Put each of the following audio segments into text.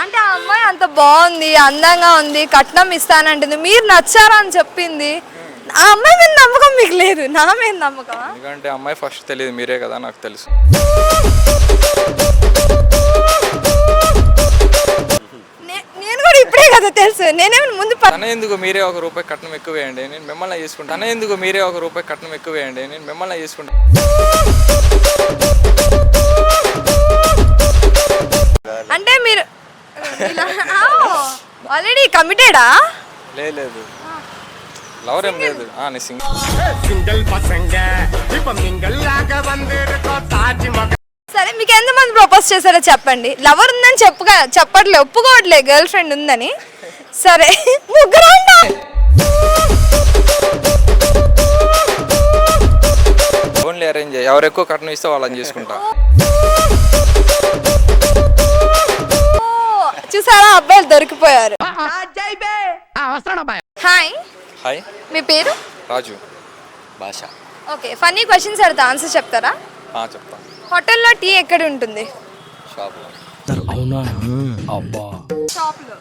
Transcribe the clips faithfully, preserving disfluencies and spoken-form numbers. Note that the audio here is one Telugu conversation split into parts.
అంటే ఆ అమ్మాయి అంత బాగుంది, అందంగా ఉంది, కట్నం ఇస్తానంటుంది, మీరు నచ్చారా అని చెప్పింది. ఆ అమ్మాయి మీద నమ్మకం మీకు లేదు, నా మీద నమ్మకమా? ఎందుకంటే అమ్మాయి ఫస్ట్ తెలియదు, మీరే కదా నాకు తెలుసు. నేను కూడా ఇప్పుడే కదా తెలుసు, నేనేమి ముందు తన ఎందుకు మీరే ఒక రూపాయి కట్నం ఎక్కువ వేయండి, నేను మిమ్మల్ని చేసుకుంటాను. తన ఎందుకు మీరే ఒక రూపాయి కట్నం ఎక్కువ వేయండి, నేను మిమ్మల్ని చేసుకుంటాను. అంటే మీరు ఆల్రెడీ కమిటెడా? లేదు, లవర్ ఏం లేదు. సరే, మీకు ఎంతమంది ప్రపోజ్ చేశారో చెప్పండి. లవర్ ఉందని చెప్పుగా చెప్పట్లే, ఒప్పుకోవట్లే గర్ల్ ఫ్రెండ్ ఉందని. సరే, ముగ్గురు ఓన్లీ అరేంజ్, ఎవరు ఎక్కువ కట్నం ఇస్తే వాళ్ళని చేసుకుంటా. చూసారా, అబ్బాయిలు దొరికిపోయారు. హాయ్ హాయ్, మీ పేరు? Raju. Basha. Okay, funny questions అడుగుతా, ఆన్సర్ చెప్తారా? చెప్తా. హోటల్లో టీ ఎక్కడ ఉంటుంది? షాప్లో. అవునా? అబ్బా. షాప్లో.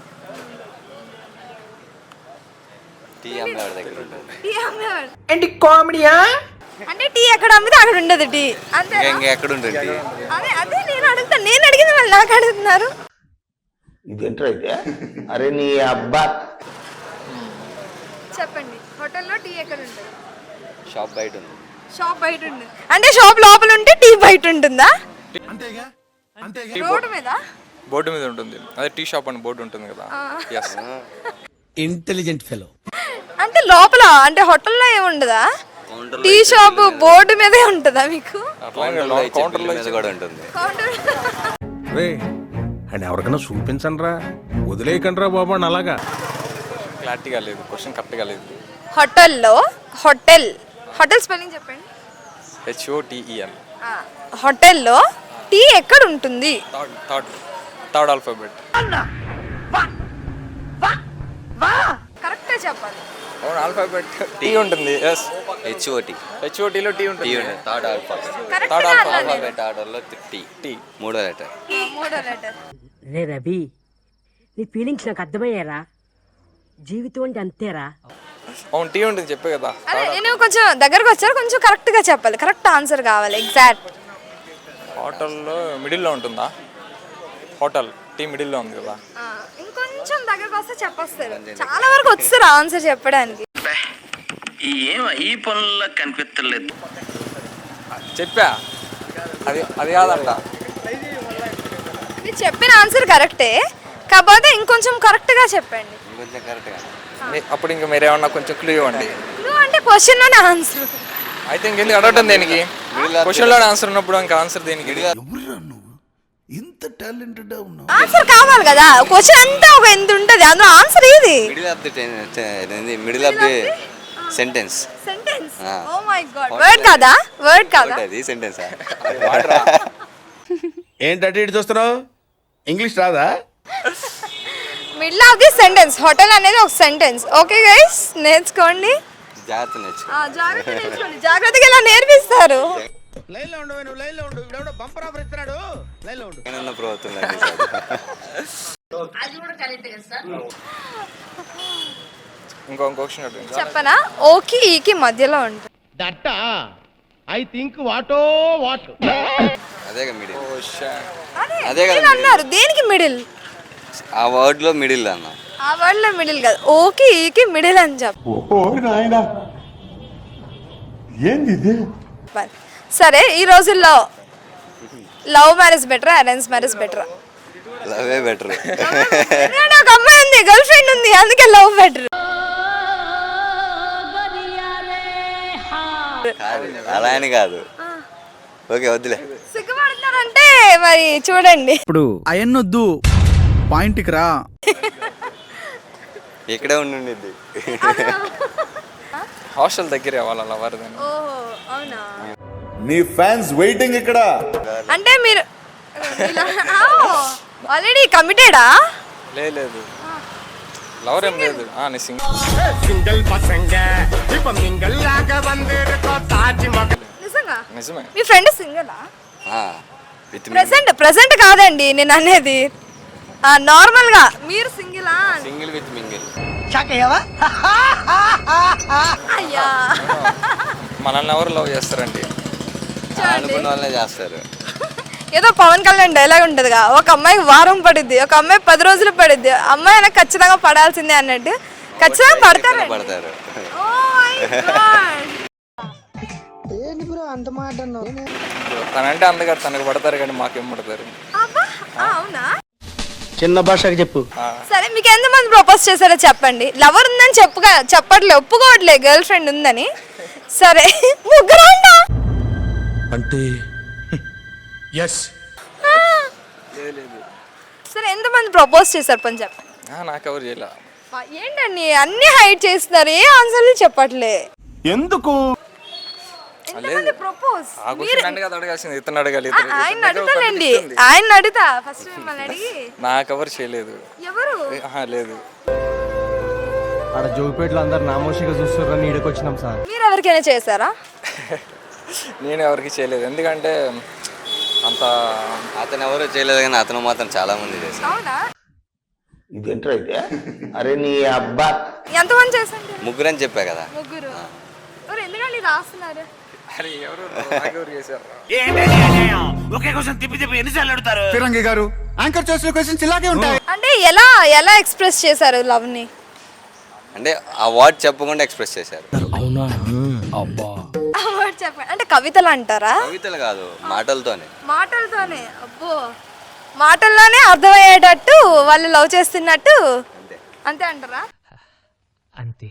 టీ అమ్మేవాడి దగ్గర ఉంటుంది. టీ అమ్మేవాడు ఏంటి కామెడీయా? అంటే టీ ఎక్కడ అమ్మితే అక్కడ ఉండదు టీ, అంతే. ఎక్కడ ఉంటుంది? అదే అదే నేను అడుగుతాను, నేను అడిగింది వాళ్ళు నాకు అడుగుతున్నారు. ఇదేంటైతే? అరే నీ అబ్బా. చెప్పండి, హోటల్లో టీ ఎక్కడ ఉంటుంది? షాప్ బయట ఉంది. షాప్ బయట ఉంది అంటే షాప్ లోపల ఉంటే టీ బయట ఉంటుందా? రోడ్డు మీద? బోర్డు మీద ఉంటుంది, అదే టీ షాప్ అని బోర్డు ఉంటుంది కదా. Intelligent fellow. అంటే లోపల అంటే హోటల్లో ఏముండదా? టీ షాప్ బోర్డు మీదే ఉంటుందా మీకు? కౌంటర్ మీద కూడా ఉంటుంది. అని ఎవరికైనా చూపించండి రా, వదిలేయకండి రా బాబు అని. అలాగా క్లారిటీగా లేదు, క్వశ్చన్ కరెక్ట్గా లేదు. హోటల్లో, హోటల్ హోటల్ స్పెల్లింగ్ చెప్పండి. హెచ్ఓటిఈఎల్. హోటల్లో టీ ఎక్కడ ఉంటుంది? Third third third alphabet. కరెక్ట్గా చెప్పాలి. అవును, ఆల్ఫాబెట్ టీ ఉంటుంది. Yes, H O T. హెచ్ఓటిలో టీ ఉంటుంది. Third alphabet. థర్డ్ ఆల్ఫాబెట్ ఆర్డర్లో టీ. టీ మూడో లెటర్. మూడో లెటర్. రే రవి, నీ ఫీలింగ్స్ నాకు అర్థమయ్యారా? జీవితం అంటే అంతేరా. అవును, టీ ఉంటుంది, చెప్పే కదా. అదే నేను కొంచెం దగ్గరకు వచ్చారు, కొంచెం కరెక్ట్గా చెప్పాలి, కరెక్ట్ ఆన్సర్ కావాలి, ఎగ్జాక్ట్. హోటల్లో మిడిల్లో ఉంటుందా? హోటల్ టీ మిడిల్లో ఉంది కదా. ఇంకొంచెం దగ్గరకు వస్తే చెప్పొస్తారు, చాలా వరకు వస్తారు ఆన్సర్ చెప్పడానికి. ఈ పనుల్లో కనిపించలేదు. చెప్పా, అది అది కాదంట. మీరు చెప్పిన ఆన్సర్ కరెక్టే, కాకపోతే ఇంకొంచెం కరెక్ట్గా చెప్పండి. కొంచెం కరెక్ట్గా. అప్పుడు ఇంకా మీరేమన్నా కొంచెం క్లూ ఇవ్వండి. క్లూ అంటే క్వశ్చన్లోనే ఆన్సర్ అయితే ఇంకెందుకు అడగటం దేనికి? క్వశ్చన్లోనే ఆన్సర్ ఉన్నప్పుడు ఇంకా ఆన్సర్ దేనికి? ఇంత టాలెంటెడ్ ఉన్నావు. ఆన్సర్ కావాలి కదా, క్వశ్చన్ అంతా ఒక ఎంత ఉంటుంది, అందులో ఆన్సర్ ఏది? Middle of the middle of the sentence. Sentence. Oh my god, word కాదా? వర్డ్ కాదా? అది సెంటెన్స్. ఏంటంటే ఇటు చూస్తున్నావు, ఇంగ్లీష్ రాదా? Middle of the sentence, hotel అనేది ఒక సెంటెన్స్. ఓకే గైస్, నేర్చుకోండి. జాగ్రత్త నేర్చు. జాగ్రత్తగా నేర్చుకోండి, జాగ్రత్తగా ఇలా నేర్పిస్తారు. లైన్లో ఉండు, నువ్వు లైన్లో ఉండు. ఇవిడెవడో బంపర్ ఆఫర్ ఇస్తున్నాడు, లైన్లో ఉండు. ఏమన్నా ప్రభుత్వం ఇంకో క్వశ్చన్ అడుగుతా. చెప్పనా? ఓకి ఈకి మధ్యలో ఉంటుంది. దట్ ఐ థింక్ వాటో వాట్. అదే కదా మిడిల్. అదే అదే కదా మిడిల్ అన్నారు, దేనికి మిడిల్? ఆ వర్డ్ లో మిడిల్ అన్న. ఆ వర్డ్ లో మిడిల్ కాదు, ఓకి ఈకి మిడిల్ అని చెప్పు. సరే, ఈ రోజుల్లో లవ్ మ్యారేజ్ బెటరా, అరేంజ్ మ్యారేజ్ బెటరా? లవే బెటర్. ఒక అమ్మాయి ఉంది, గర్ల్ ఫ్రెండ్ ఉంది, అందుకే లవ్ బెటర్. అలా అని కాదు. ఓకే, వద్దులే. సిగ్గుపడుతున్నారంటే మరి చూడండి. ఇప్పుడు అయన్నొద్దు, పాయింట్కి రా. ఇక్కడే ఉండింది. హాస్టల్ దగ్గర వాళ్ళ లవర్. ఓహో, అవునా? నీ ఫ్యాన్స్ వెయిటింగ్ ఇక్కడ. అంటే మీరు ఆల్రెడీ కమిటెడా? లేదు, లవర్ ఏం లేదు. నిజంగా? నిజమే. మీ ఫ్రెండ్ సింగలా? విత్ ప్రెసెంట్ ప్రెసెంట్ కాదండి నేను అనేది. నార్మల్ గా మీరు సింగిలా సింగిల్ విత్ మింగిల్. అయ్యా మనల్ని ఎవరు లవ్ చేస్తారండి? అనుకున్న వాళ్ళనే చేస్తారు. ఏదో పవన్ కళ్యాణ్ డైలాగ్ ఉంటదిగా, ఒక అమ్మాయికి వారం పడుద్ది, ఒక అమ్మాయి పది రోజులు పడుద్ది, అమ్మాయి అయినా ఖచ్చితంగా పడాల్సిందే అన్నట్టు ఖచ్చితంగా పడతారు. పడతారు. తనంటే అందగా తనకు పడతారు కానీ మాకేం పడతారు? అవునా? చిన్న భాషకి చెప్పు. సరే, మీకు ఎంతమంది ప్రపోజ్ చేశారో చెప్పండి. లవర్ ఉందని చెప్పుగా చెప్పట్లే, ఒప్పుకోవట్లే గర్ల్ ఫ్రెండ్ ఉందని. సరే, ముగ్గురు అంటే ఎస్. సరే, ఎంతమంది ప్రపోజ్ చేశారు పని చెప్పండి. నాకెవరు చేయలే. ఏంటండి అన్ని హైడ్ చేస్తున్నారు, ఏ ఆన్సర్లు చెప్పట్లే. ఎందుకు? ఎంతమంది ప్రపోజ్? ఆ క్వశ్చన్ అంటే కదా అడగాల్సింది, ఇతను అడగాలి. ఆయన అడుగుతానండి, ఆయన అడుగుతా ఫస్ట్ మిమ్మల్ని అడిగి. నాకెవరు చేయలేదు. ఎవరు? ఆహా, లేదు. ఆడ జోగిపేటలో అందరు నామోషిగా చూస్తున్నారని ఈడకి వచ్చినాం సార్. మీరు ఎవరికైనా చేశారా? నేను ఎవరికి చేయలేదు, ఎందుకంటే అంత అతను ఎవరు చేయలేదు కానీ అతను మాత్రం చాలా మంది చేశారు. అవునా? ఇదేంట్రా అయితే? అరే నీ అబ్బా. ఎంతమంది చేశారు? ముగ్గురు అని చెప్పా కదా. ముగ్గురు. ఎవరు ఎందుకండి రాస్తున్నారు? అరే ఎవరు నాకెవరు చేశారు? ఫిరంగి గారు యాంకర్ చేసిన క్వశ్చన్స్ ఇలాగే ఉంటాయి. అంటే ఎలా ఎలా ఎక్స్ప్రెస్ చేశారు లవ్ ని? అంటే ఆ వర్డ్ చెప్పకుండా ఎక్స్ప్రెస్ చేశారు. అవునా? అబ్బా. చెప్పండి. అంటే కవితలు అంటారా? కవితలు కాదు, మాటలతోనే. మాటలతోనే? అబ్బో, మాటల్లోనే అర్థమయ్యేటట్టు వాళ్ళు లవ్ చేస్తున్నట్టు అంతే అంటారా? అంతే.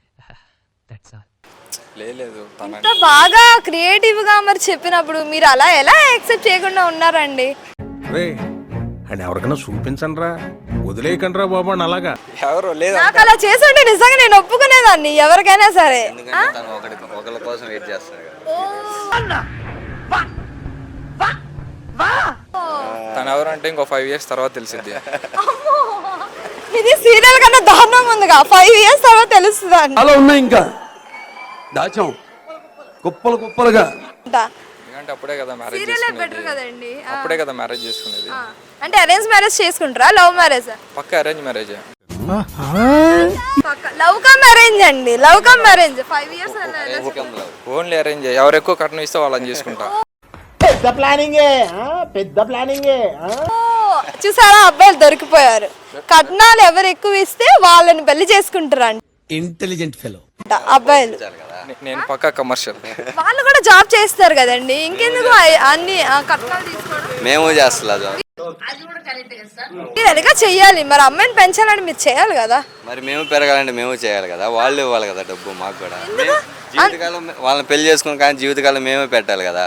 లేదు. ఇంత బాగా క్రియేటివ్ గా మరి చెప్పినప్పుడు మీరు అలా ఎలా యాక్సెప్ట్ చేయకుండా ఉన్నారండి? అండ్ ఎవరికైనా చూపించండి రా, వదిలేయకండి రా బాబు అని అలాగా. ఎవరు లేదు. నాకు అలా చేస్తుంటే నిజంగా నేను ఒప్పుకునేదాన్ని ఎవరికైనా సరే. ఎందుకంటే తను ఒకటి ఒకరి కోసం వెయిట్ చేస్తాడు కదా. తను ఎవరు అంటే ఇంకో ఫైవ్ ఇయర్స్ తర్వాత తెలిసింది. ఇది సీరియల్ కన్నా దారుణంగా ఉందిగా, ఫైవ్ ఇయర్స్ తర్వాత తెలుస్తుంది అంట. అలా ఉన్నాయి ఇంకా దాచాం కుప్పలు కుప్పలుగా. ఎందుకంటే అప్పుడే కదా మ్యారేజ్ సీరియల్ బెటర్ చేసుకునేది. కదండి. అప్పుడే కదా మ్యారేజ్ చేసుకునేది. ఆ, అంటే అరేంజ్ మ్యారేజ్ చేసుకుంటారా, లవ్ మ్యారేజ్? పక్క arrange marriage. Love come arrange అండి, love come arrange. Five years only arrange. ఎవరు ఎక్కువ కట్నం ఇస్తే వాళ్ళని చేసుకుంటా. పెద్ద ప్లానింగే, పెద్ద ప్లానింగే. చూసారా, అబ్బాయిలు దొరికిపోయారు. కట్నాలు ఎవరు ఎక్కువ ఇస్తే వాళ్ళని పెళ్లి చేసుకుంటారు అంట ఇంటెలిజెంట్ ఫెలో అబ్బాయిలు. నే- నేను పక్కా కమర్షియల్. వాళ్ళు కూడా జాబ్ చేస్తారు కదండి, ఇంకెందుకు అ- అన్ని ఆ, కట్నాలు తీసుకోవడం? మేము చేస్తలేదు. మీరు ఎలాగా చెయ్యాలి మరి, అమ్మాయిని పెంచాలని మీరు చేయాలి కదా. మరి మేము పెరగాలంటే మేము చేయాలి కదా, వాళ్ళు ఇవ్వాలి కదా డబ్బు మాకు కూడా. మేము జీవితకాలం వాళ్ళని పెళ్లి చేసుకుని కానీ జీవితకాలం మేమే పెట్టాలి కదా.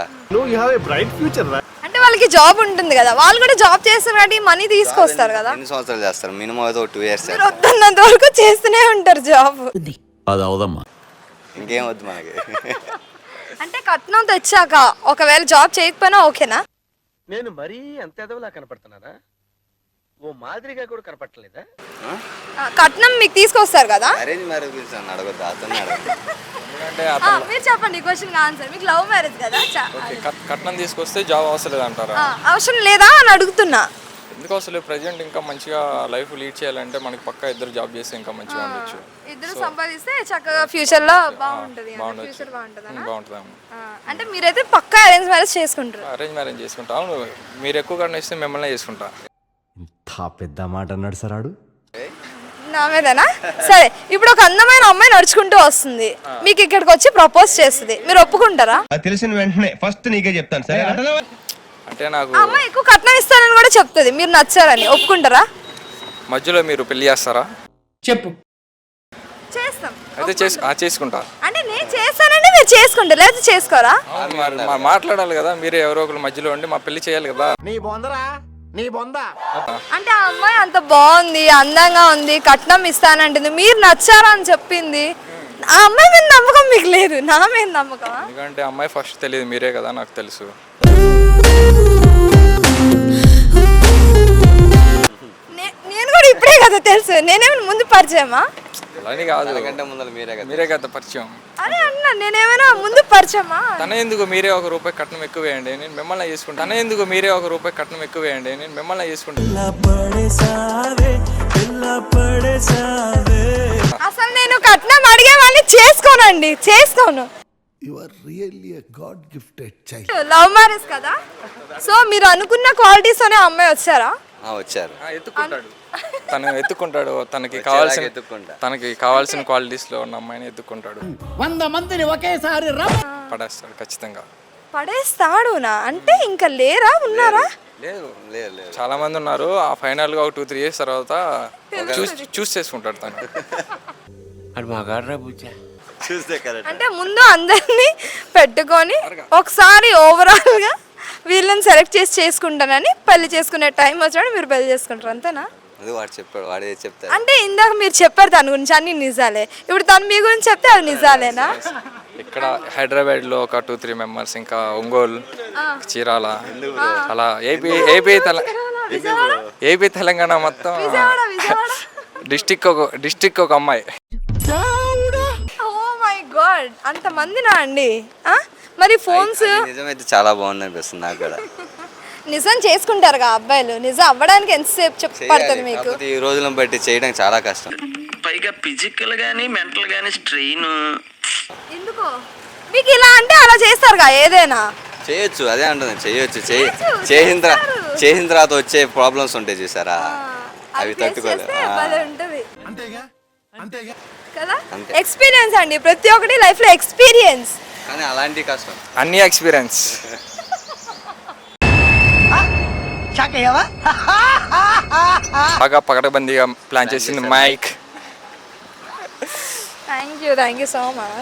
అంటే వాళ్ళకి జాబ్ ఉంటుంది కదా, వాళ్ళు కూడా జాబ్ చేస్తారు కాబట్టి మనీ తీసుకొస్తారు కదా. ఎన్ని సంవత్సరాలు చేస్తారు? మినిమం అయితే ఒక టూ ఇయర్స్ మీరు వద్దన్నంత వరకు చేస్తూనే ఉంటారు జాబ్. అది అవదమ్మా. ఇంకేం వద్దు మనకి. అంటే కట్నం తెచ్చాక ఒకవేళ జాబ్ చేయకపోయినా ఓకేనా? నేను మరీ అంత ఎదవలా కనపడుతున్నారా? ఓ మాదిరిగా కూడా కనపడలేదా? ఆ, కట్నం మీకు తీసుకొస్తారు కదా. అరేంజ్ మ్యారేజ్ గురించి నన్ను అడగొద్దు, అతన్ని అడగదు. ఎందుకంటే ఆ, అతను మీరు చెప్పండి క్వశ్చన్ ఆన్సర్. మీకు లవ్ మ్యారేజ్ కదా, చా- ఓకే, కట్- కట్నం తీసుకొస్తే జాబ్ అవసరం లేదు అంటారా? ఆ, అవసరం లేదా అని అడుగుతున్నా. ఎందుకు అసలు ప్రజెంట్ ఇంకా మంచిగా లైఫ్ లీడ్ చేయాలంటే మనకి పక్కా ఇద్దరు జాబ్ చేస్తే ఇంకా మంచిగా ఉండొచ్చు. ఇద్దరు సంపాదిస్తే చక్కగా ఫ్యూచర్ లో బాగుంటది, బాగుండొచ్చు. ఫ్యూచర్ బాగుంటది. బాగుంటుంది. అంటే మీరైతే పక్కా అరేంజ్ మ్యారేజ్ చేసుకుంటారు. అరేంజ్ మ్యారేజ్ చేసుకుంటా. అవును, మీరు ఎక్కువ కట్నం ఇస్తే మిమ్మల్ని చేసుకుంటా. ఇంత పెద్ద మాట అన్నాడు సరాడు. నా మీదనా? సరే, ఇప్పుడు ఒక అందమైన అమ్మాయి నడుచుకుంటూ వస్తుంది, మీకు ఇక్కడికి వచ్చి ప్రపోజ్ చేస్తుంది, మీరు ఒప్పుకుంటారా? తెలిసిన వెంటనే ఫస్ట్ నీకే చెప్తాను సరే. అంటే నాకు ఆ అమ్మాయి ఎక్కువ కట్నం ఇస్తానని కూడా చెప్తుంది, మీరు నచ్చారని ఒప్పుకుంటారా? మధ్యలో మీరు పెళ్లి చేస్తారా? చెప్పు. చేస్తాం. అయితే చేసి ఆ చేసుకుంటా. అంటే నేను చేస్తానంటే మీరు చేసుకుంటారు, లేదా చేసుకోరా? అవును, మరి మా- మాట్లాడాలి కదా, మీరే ఎవరో ఒకరు మధ్యలో ఉండి మా పెళ్లి చేయాలి కదా. నీ బొందరా నీ బొంద. అంటే ఆ అమ్మాయి అంత బాగుంది, అందంగా ఉంది, కట్నం ఇస్తానంటుంది, మీరు నచ్చారా అని చెప్పింది. ఆ అమ్మాయి మీద నమ్మకం మీకు లేదు, నా మీద నమ్మకమా? ఎందుకంటే అమ్మాయి ఫస్ట్ తెలియదు, మీరే కదా నాకు తెలుసు. నే- నేను కూడా ఇప్పుడే కదా తెలుసు, నేనేమైనా ముందు పరిచయమా? అలా అని కాదు, తనకంటే ముందర మీరే కదా. మీరే కదా పరిచయం. అరే అన్న నేనేమైనా ముందు పరిచయమా? తన ఎందుకు మీరే ఒక రూపాయి కట్నం ఎక్కువ వేయండి, నేను మిమ్మల్ని చేసుకుంటాను. తన ఎందుకు మీరే ఒక రూపాయి కట్నం ఎక్కువ వేయండి, నేను మిమ్మల్ని చేసుకుంటాను. అసలు నేను కట్నం అడిగే వాళ్ళని చేసుకోనండి, చేసుకోను. లవ్ మ్యారేజ్ కదా, సో మీరు అనుకున్న క్వాలిటీస్ అనే అమ్మాయి వచ్చారా? ఆ, వచ్చారు. ఆ, ఎత్తుకుంటాడు తను, ఎత్తుకుంటాడు తనకి కావాల్సిన ఎత్తుక్కుంటా. తనకి కావాల్సిన క్వాలిటీస్ లో ఉన్న అమ్మాయిని ఎత్తుకుంటాడు, వంద మందిని ఒకేసారి పడేస్తాడు ఖచ్చితంగా. పడేస్తాడు నా అంటే ఇంకా లేరా, ఉన్నారా? లేదు, లేదు లేదు చాలా మంది ఉన్నారు. ఆ ఫైనల్ గా ఒక టూ త్రీ ఇయర్స్ తర్వాత చూస్ చూస్ చేసుకుంటాడు తను. చూస్తే కరెక్ట్. అంటే ముందు అందరినీ పెట్టుకొని ఒకసారి ఓవరాల్ గా వీళ్ళని సెలెక్ట్ చేసి చేసుకుంటానని పెళ్లి చేసుకునే టైం వచ్చాడు మీరు పెళ్లి చేసుకుంటారు, అంతేనా? అది వాడు చెప్పాడు, వాడే చెప్తాడు. అంటే ఇందాక మీరు చెప్పారు తన గురించి అన్ని నిజాలే, ఇప్పుడు తను మీ గురించి చెప్తే అది నిజాలేనా? ఇక్కడ హైదరాబాద్ లో ఒక టూ త్రీ మెంబర్స్, ఇంకా ఒంగోలు, చీరాల, అలా ఏపీ ఏపీ తెల ఏపీ తెలంగాణ మొత్తం డిస్టిక్ ఒక డిస్టిక్ ఒక అమ్మాయి. ఓ మై గాడ్, అంత మందినా అండి? ఆ? మరి ఫోన్స్ అది నిజమైతే చాలా బాగుంది అనిపిస్తుంది నాకు కూడా. నిజం చేసుకుంటారుగా అబ్బాయిలు, నిజం అవ్వడానికి ఎంతసేపు చెప్ప పడుతుంది మీకు? కాకపోతే ఈ రోజులను బట్టి చేయడం చాలా కష్టం. పైగా ఫిజికల్ గానీ మెంటల్ గానీ స్ట్రెయిన్. ఎందుకో మీకు ఇలా అంటే అలా చేస్తారుగా ఏదైనా? చేయొచ్చు, అదే అంటుంది, చేయొచ్చు. చేయ చేసిన తర్వాత చేసిన తర్వాత వచ్చే ప్రాబ్లమ్స్ ఉంటాయి చూసారా, అవి తట్టుకోలేదు. కదా ఎక్స్పీరియన్స్ అండి, ప్రతి ఒక్కటి లైఫ్ లో ఎక్స్పీరియన్స్. కానీ అలాంటి కష్టం. అన్ని ఎక్స్పీరియన్స్. బాగా పకడబందీగా ప్లాన్ చేసింది Mike. Thank you thank you so much.